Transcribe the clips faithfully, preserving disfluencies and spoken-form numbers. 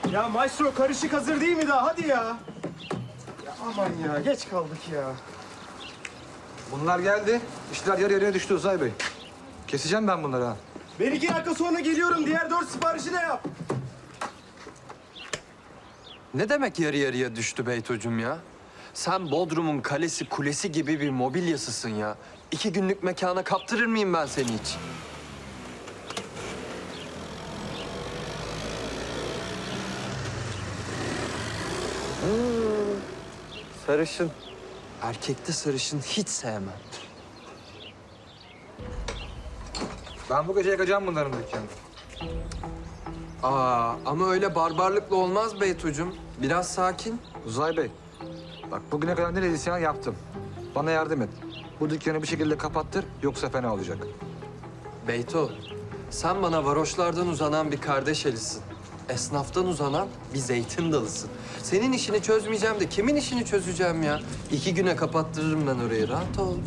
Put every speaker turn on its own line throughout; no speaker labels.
Ya maestro karışık hazır değil mi daha? Hadi ya. Ya aman ya geç kaldık ya.
Bunlar geldi. İşler yarı yarıya düştü Uzay Bey. Keseceğim ben bunları ha.
Ben iki dakika sonra geliyorum. Diğer dört siparişi de yap.
Ne demek yarı yarıya düştü Beytocuğum ya? Sen Bodrum'un kalesi kulesi gibi bir mobilyasısın ya. İki günlük mekana kaptırır mıyım ben seni hiç? Hmm, sarışın. Erkekte sarışın hiç sevmem.
Ben bu gece yakacağım bunların dükkanını.
Aa, ama öyle barbarlıkla olmaz Beytocuğum. Biraz sakin.
Uzay Bey, bak bugüne kadar ne dediysen yaptım. Bana yardım et. Bu dükkanı bir şekilde kapattır, yoksa fena olacak.
Beyto, sen bana varoşlardan uzanan bir kardeş elisin. Esnaftan uzanan bir zeytin dalısın. Senin işini çözmeyeceğim de kimin işini çözeceğim ya? İki güne kapattırırım ben orayı. Rahat ol.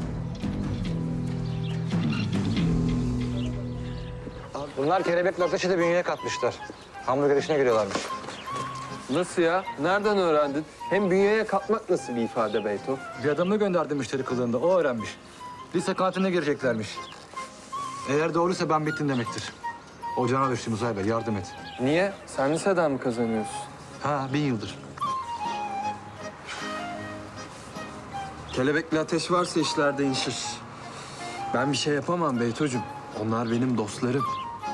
Bunlar kelebekle ateşi de bünyeye katmışlar. Hamburger işine giriyorlarmış.
Nasıl ya? Nereden öğrendin? Hem bünyeye katmak nasıl bir ifade Beyto?
Bir adamı gönderdi müşteri kılığında, o öğrenmiş. Lise kantinine gireceklermiş. Eğer doğruysa ben bittim demektir. Ocağına düştüm Uzay Bey, yardım et.
Niye? Sen liseden mi kazanıyorsun?
Ha, bin yıldır.
Kelebekli ateş varsa işlerde inşir. Ben bir şey yapamam Beytocuğum. Onlar benim dostlarım.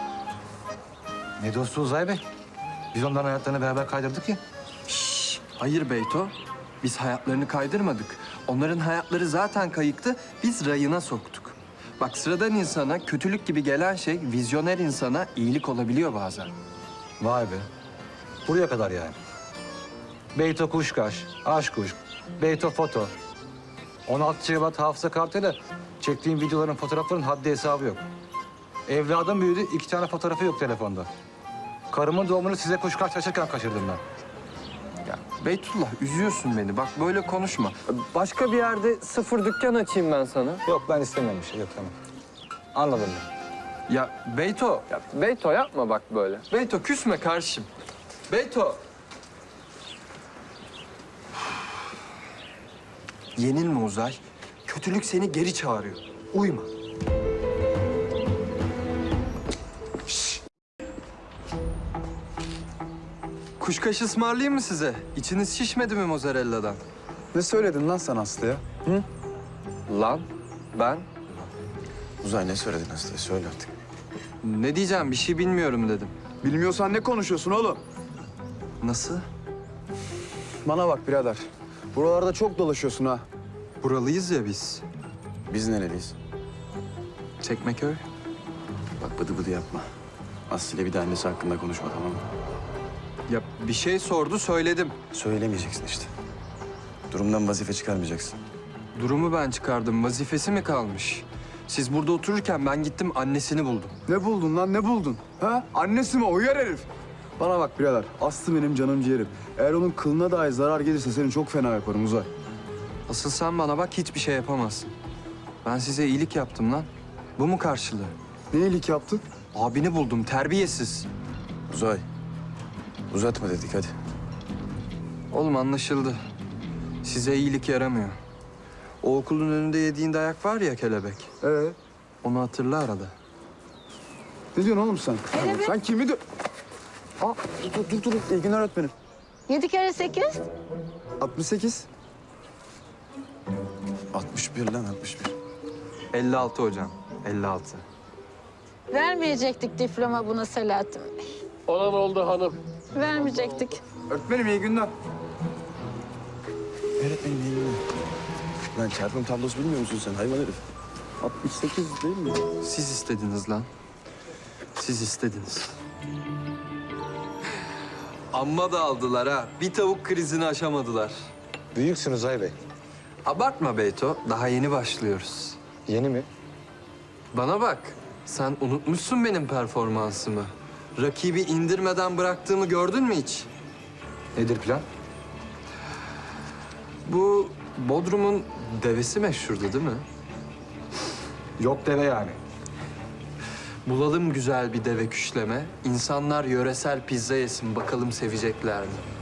Ne dostu Uzay Bey? Biz onların hayatlarını beraber kaydırdık ya.
Şşş, hayır Beyto. Biz hayatlarını kaydırmadık. Onların hayatları zaten kayıktı. Biz rayına soktuk. Bak sıradan insana kötülük gibi gelen şey vizyoner insana iyilik olabiliyor bazen.
Vay be. Buraya kadar yani. Beyto Kuşkaş, Aşk Kuşk, Beyto Foto. on altı Şubat hafıza kartıyla çektiğim videoların, fotoğrafların haddi hesabı yok. Evladım büyüdü, iki tane fotoğrafı yok telefonda. Karımın doğumunu size Kuşkaş taşırken kaçırdım ben.
Ya Beytullah üzüyorsun beni. Bak böyle konuşma. Başka bir yerde sıfır dükkan açayım ben sana.
Yok, ben istemiyorum bir şey, yok tamam. Anladım ben.
Ya Beyto. Ya Beyto yapma bak böyle. Beyto küsme karşım. Beyto. Yenilme Uzay. Kötülük seni geri çağırıyor. Uyma. Şşş. Kuşkaş ısmarlayayım mı size? İçiniz şişmedi mi mozzarella'dan?
Ne söyledin lan sen Aslı'ya? Hı?
Lan ben
Uzay ne söyledin Aslı'ya? Söyle artık.
ne diyeceğim bir şey bilmiyorum dedim.
Bilmiyorsan ne konuşuyorsun oğlum?
Nasıl?
Bana bak birader. Buralarda çok dolaşıyorsun ha.
Buralıyız ya biz.
Biz nereliyiz?
Çekmeköy.
Bak bıdı bıdı yapma. Aslı'yla bir de annesi hakkında konuşma, tamam mı?
Ya bir şey sordu söyledim.
Söylemeyeceksin işte. Durumdan vazife çıkarmayacaksın.
Durumu ben çıkardım. Vazifesi mi kalmış? Siz burada otururken ben gittim annesini buldum.
Ne buldun lan, ne buldun? Ha? Annesi mi? Uyar herif. Bana bak birader. Aslı benim canım ciğerim. Eğer onun kılına dahi zarar gelirse seni çok fena yaparım Uzay.
Asıl sen bana bak hiçbir şey yapamazsın. Ben size iyilik yaptım lan. Bu mu karşılığı?
Ne iyilik yaptın?
Abini buldum terbiyesiz.
Uzay. Uzatma dedik hadi.
Oğlum anlaşıldı. Size iyilik yaramıyor. O okulun önünde yediğin dayak var ya kelebek.
Ee,
Onu hatırla arada.
ne diyorsun oğlum sen? Sen kimi de... Aa, dur dur dur. dur. İyi günler öğretmenim.
Yedi kere sekiz.
altmış sekiz. altmış bir lan, altmış bir.
elli altı hocam. elli altı.
Vermeyecektik diploma buna Selahattin Bey.
Olan oldu hanım.
Vermeyecektik.
Öğretmenim iyi günler. Öğretmenim iyi günler. Lan çarpım tablosu bilmiyor musun sen hayvan herif? altmış sekiz değil mi?
Siz istediniz lan. Siz istediniz. Amma da aldılar ha. Bir tavuk krizini aşamadılar.
Büyüksün Uzay Bey.
Abartma Beyto. Daha yeni başlıyoruz.
Yeni mi?
Bana bak. Sen unutmuşsun benim performansımı. Rakibi indirmeden bıraktığımı gördün mü hiç?
Nedir plan?
Bu Bodrum'un devesi meşhurdu değil mi?
Yok deve yani.
Bulalım güzel bir deve küşleme. İnsanlar yöresel pizza yesin. Bakalım sevecekler mi?